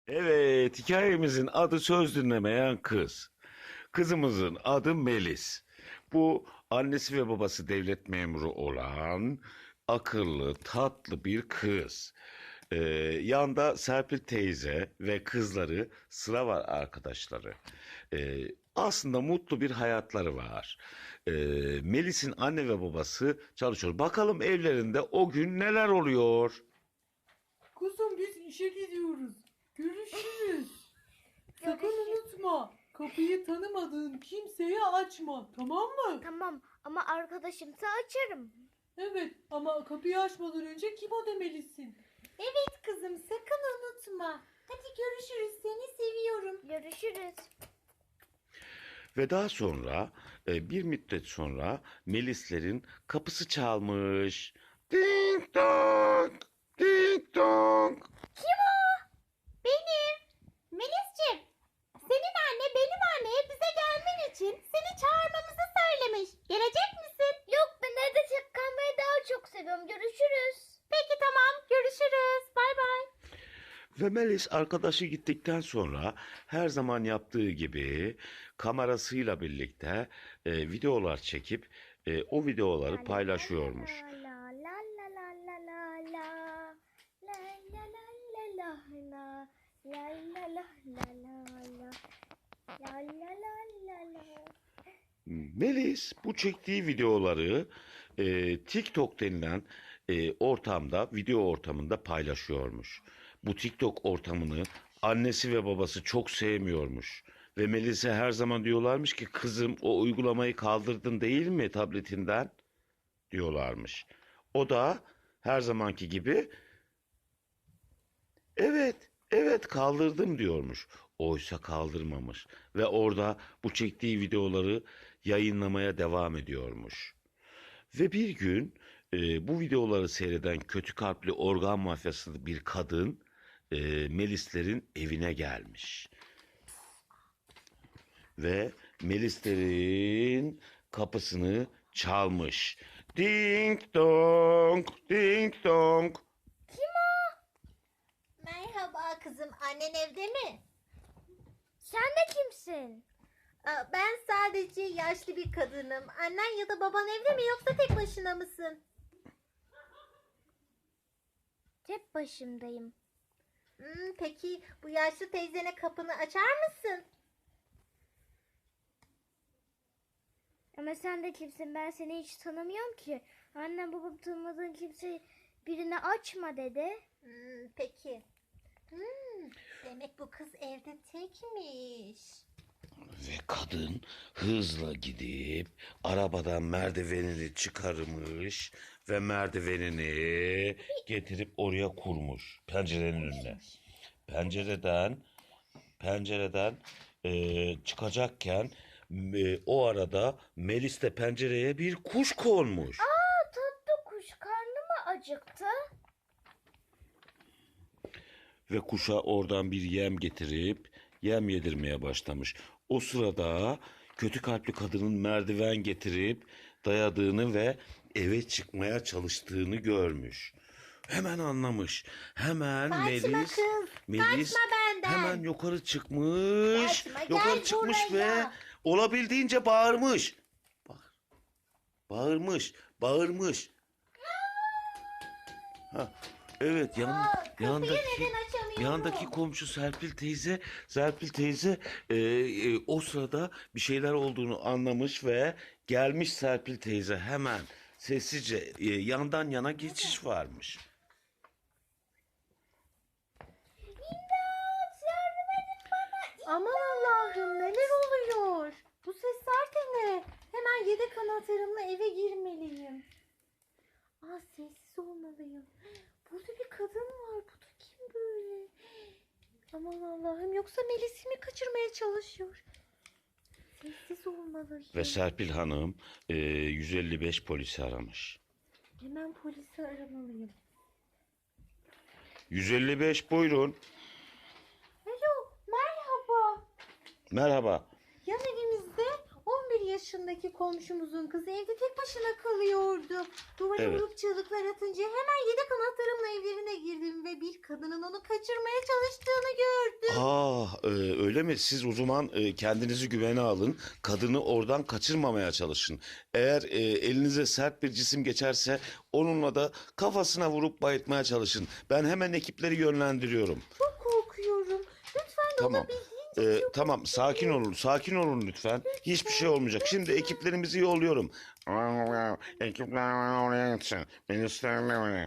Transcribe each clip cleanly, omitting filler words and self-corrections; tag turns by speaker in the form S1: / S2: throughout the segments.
S1: Evet, hikayemizin adı söz dinlemeyen kız. Kızımızın adı Melis. Bu annesi ve babası devlet memuru olan akıllı, tatlı bir kız. Ee, Yanda Serpil teyze ve kızları sıra var arkadaşları. Aslında mutlu bir hayatları var. Ee, Melis'in anne ve babası çalışıyor. Bakalım evlerinde o gün neler oluyor?
S2: Kuzum biz işe gidiyoruz. Görüşürüz. Sakın
S3: Görüşürüz.
S2: unutma. Kapıyı tanımadığın kimseye açma. Tamam mı?
S3: Tamam ama arkadaşımsa açarım.
S2: Evet ama kapıyı açmadan önce kim o demelisin. Evet kızım sakın unutma. Hadi görüşürüz seni seviyorum.
S3: Görüşürüz.
S1: Ve daha sonra bir müddet sonra Melislerin kapısı çalmış. Ding dong, ding dong.
S3: Kim o? Benim. Melis'ciğim. Senin anne benim anneye bize gelmen için seni çağırmamızı söylemiş. Gelecek misin? Yok ben evde kalmayı daha çok seviyorum. Görüşürüz. Peki tamam görüşürüz. Bay bay.
S1: Ve Melis arkadaşı gittikten sonra her zaman yaptığı gibi kamerasıyla birlikte videolar çekip o videoları paylaşıyormuş.
S3: La la la la la la la. La la la la la la. La la la la la la. La la la la la.
S1: Melis bu çektiği videoları TikTok denilen ortamda, video ortamında paylaşıyormuş. Bu TikTok ortamını annesi ve babası çok sevmiyormuş. Ve Melis'e her zaman diyorlarmış ki kızım o uygulamayı kaldırdın değil mi tabletinden diyorlarmış. O da her zamanki gibi evet, evet kaldırdım diyormuş. Oysa kaldırmamış ve orada bu çektiği videoları yayınlamaya devam ediyormuş. Ve bir gün bu videoları seyreden kötü kalpli organ mafyası bir kadın Melislerin evine gelmiş. Ve Melislerin kapısını çalmış. Ding dong, ding dong.
S4: Merhaba kızım, annen evde mi?
S3: Sen de kimsin?
S4: Ben sadece yaşlı bir kadınım. Annen ya da baban evde mi yoksa tek başına mısın?
S3: Tek başımdayım.
S4: Peki bu yaşlı teyzene kapını açar mısın?
S3: Ama sen de kimsin? Ben seni hiç tanımıyorum ki. Annem babam tanımadığın kimse birine açma dedi.
S4: Peki. Demek bu kız evde tekmiş.
S1: Ve kadın hızla gidip arabadan merdivenini çıkarmış ve merdivenini getirip oraya kurmuş pencerenin önüne. Pencereden çıkacakken o arada Melis de pencereye bir kuş konmuş.
S3: Aa tatlı kuş karnı mı acıktı?
S1: Ve kuşa oradan bir yem getirip yem yedirmeye başlamış. O sırada kötü kalpli kadının merdiven getirip dayadığını ve eve çıkmaya çalıştığını görmüş. Hemen anlamış. Hemen
S4: Kaçma
S1: Melis,
S4: kız, kaçma benden.
S1: hemen yukarı çıkmış.
S4: Kaçma,
S1: yukarı
S4: gel
S1: çıkmış
S4: buraya.
S1: ve olabildiğince bağırmış. Bak, bağırmış. Ha, evet
S4: Kapıyı neden açamıyorum?
S1: yandaki komşu Serpil teyze o sırada bir şeyler olduğunu anlamış ve gelmiş Serpil teyze hemen sessizce yandan yana geçiş varmış.
S4: Aman Allah'ım neler oluyor? Bu sesler de ne? Hemen yedek anahtarımla eve girmeliyim. Sessiz olmalıyım. Burada bir kadın var. Bu da kim böyle? Aman Allah'ım yoksa Melis'i mi kaçırmaya çalışıyor? Sessiz olmalıyım.
S1: Ve Serpil Hanım 155 polisi aramış.
S4: Hemen polisi aramalıyım.
S1: 155 buyurun.
S4: Alo merhaba.
S1: Merhaba.
S4: Yan evimizde 11 yaşındaki komşumuzun kızı evde tek başına kalıyordu. Duvara
S1: Evet.
S4: vurup çığlıklar atınca hemen yedek anahtarımla evlerine girdim ve bir kadının onu kaçırmaya çalıştığını gördüm.
S1: Öyle mi? Siz o zaman kendinizi güvene alın. Kadını oradan kaçırmamaya çalışın. Eğer elinize sert bir cisim geçerse onunla da kafasına vurup bayıltmaya çalışın. Ben hemen ekipleri yönlendiriyorum.
S4: Çok korkuyorum. Lütfen
S1: Tamam.
S4: olabildiğince
S1: Tamam, sakin olun, sakin olun lütfen. Hiçbir şey olmayacak. Şimdi ekiplerimizi yolluyorum. Ekipler oraya gitsin. Ministerler.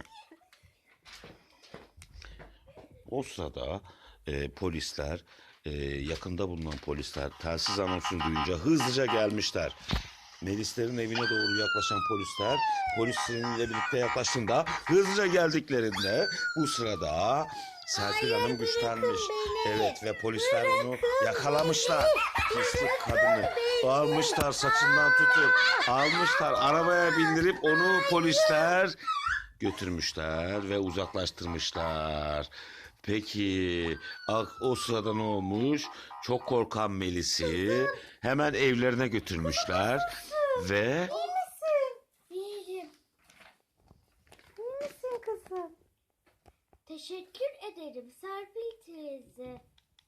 S1: O sırada polisler, yakında bulunan polisler telsiz anonsunu duyunca hızlıca gelmişler. Melislerin evine doğru yaklaşan polisler, polisleriyle birlikte yaklaştığında hızlıca geldiklerinde bu sırada Serpil Hanım güçlenmiş. Evet ve polisler onu yakalamışlar. Pislik kadını almışlar, saçından tutup almışlar, arabaya bindirip onu polisler götürmüşler ve uzaklaştırmışlar. Peki o sırada ne olmuş? Çok korkan Melis'i hemen evlerine götürmüşler ve
S3: İyiyim.
S4: İyi misin kızım?
S3: Teşekkür ederim Serpil teyze.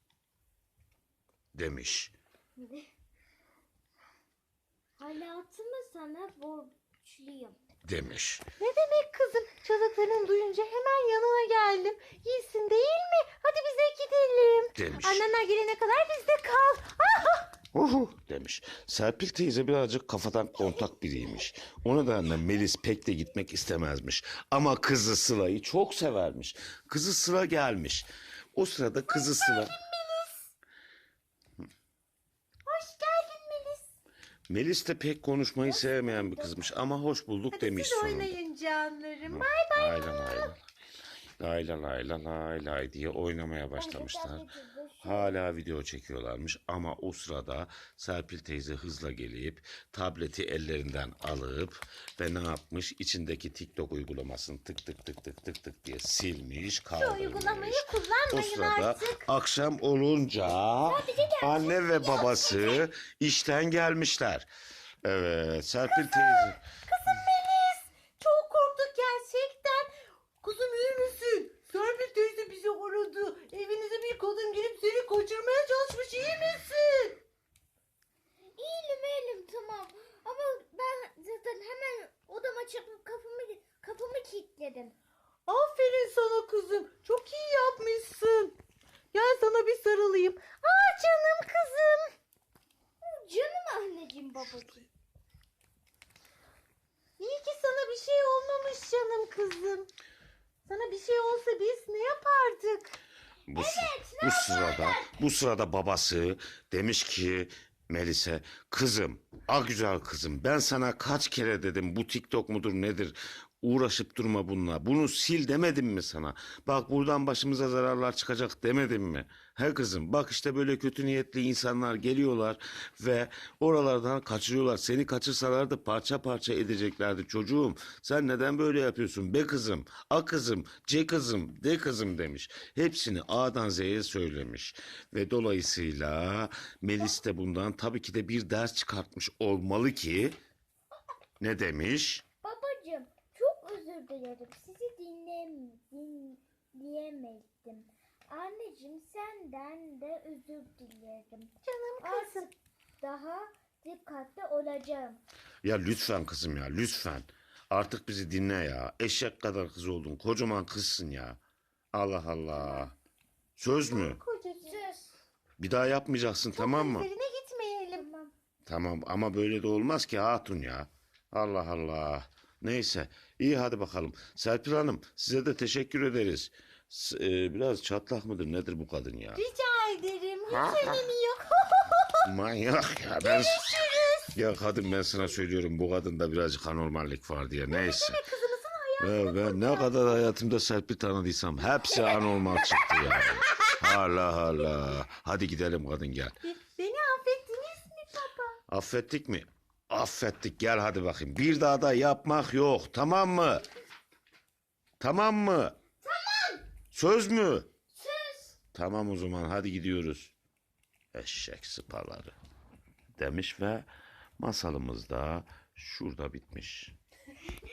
S1: demiş.
S3: Hayatımı sana borçluyum.
S1: Demiş.
S4: Ne demek kızım? Çığlıklarını duyunca hemen yanına geldim. İyisin değil mi? Hadi bize gidelim.
S1: Demiş.
S4: Annenler gelene kadar bizde kal.
S1: Demiş. Serpil teyze birazcık kafadan kontak biriymiş. O nedenle Melis pek de gitmek istemezmiş. Ama kızı Sıla'yı çok severmiş. Kızı Sıla gelmiş. O sırada kızı Sıla...
S4: Hoş geldin Melis.
S1: Melis de pek konuşmayı sevmeyen bir kızmış ama hoş bulduk
S4: Hadi
S1: demiş
S4: siz
S1: sonunda.
S4: oynayın canlarım.
S1: Aynen aynen. Lay la lay la lay lay diye oynamaya başlamışlar. Hala video çekiyorlarmış ama o sırada Serpil teyze hızla gelip tableti ellerinden alıp ve ne yapmış? İçindeki TikTok uygulamasını tık tık tık tık tık tık diye silmiş,
S4: Şu uygulamayı
S1: kaldırmış. O
S4: kullanmayın
S1: sırada
S4: artık.
S1: akşam olunca anne ve babası işten gelmişler. Evet, Serpil teyze.
S4: Kızım Melis. Çok korktuk gerçekten. Kızım iyi misin? Serpil teyze bizi aradı. Evinize bir kadın gelip seni kaçırmaya çalışmış. İyi misin?
S3: İyiyim tamam. Ama ben zaten hemen odama çıkıp kapımı kilitledim.
S4: Aferin sana kızım. Çok iyi yapmışsın. Gel sana bir sarılayım. Aa canım kızım.
S3: Canım anneciğim babacığım.
S4: İyi ki sana bir şey olmamış canım kızım. Sana bir şey olsa biz ne yapardık?
S1: Bu sırada babası demiş ki Melis'e, kızım, güzel kızım, ben sana kaç kere dedim bu TikTok mudur nedir? Uğraşıp durma bununla. Bunu sil demedim mi sana? Bak buradan başımıza zararlar çıkacak demedim mi? He kızım, bak işte böyle kötü niyetli insanlar geliyorlar ve oralardan kaçırıyorlar. Seni kaçırsalardı parça parça edeceklerdi çocuğum. Sen neden böyle yapıyorsun be kızım? A kızım, C kızım, D kızım demiş. Hepsini A'dan Z'ye söylemiş. Ve dolayısıyla Melis de bundan tabii ki de bir ders çıkartmış olmalı ki ne demiş?
S3: Babacığım çok özür dilerim. Sizi dinleyemedim. Anneciğim senden de özür dilerim.
S4: Canım kızım.
S3: Artık daha dikkatli olacağım.
S1: Ya lütfen kızım ya lütfen. Artık bizi dinle ya. Eşek kadar kız oldun. Kocaman kızsın ya. Allah Allah. Söz mü?
S4: Kocacığım.
S3: Söz.
S1: Bir daha yapmayacaksın tamam mı?
S4: Üzerine gitmeyelim.
S3: Tamam.
S1: Tamam ama böyle de olmaz ki hatun ya. Allah Allah. Neyse iyi hadi bakalım. Serpil Hanım size de teşekkür ederiz. Biraz çatlak mıdır nedir bu kadın ya?
S4: Rica ederim. Hiç önemi yok.
S1: Manyak ya. Ya kadın ben sana söylüyorum bu kadında birazcık anormallik var diye. Neyse.
S4: Kızımızın
S1: Ya ben ne kadar hayatımda Serpil tanıdıysam hepsi anormal çıktı ya. Allah Allah. Hadi gidelim kadın gel.
S4: Beni affettiniz mi baba?
S1: Affettik mi? Affettik gel hadi bakayım. Bir daha da yapmak yok tamam mı? Tamam mı? Tamam. Söz mü?
S3: Söz.
S1: Tamam o zaman hadi gidiyoruz. Eşek sıpaları demiş ve Masalımız da şurada bitmiş.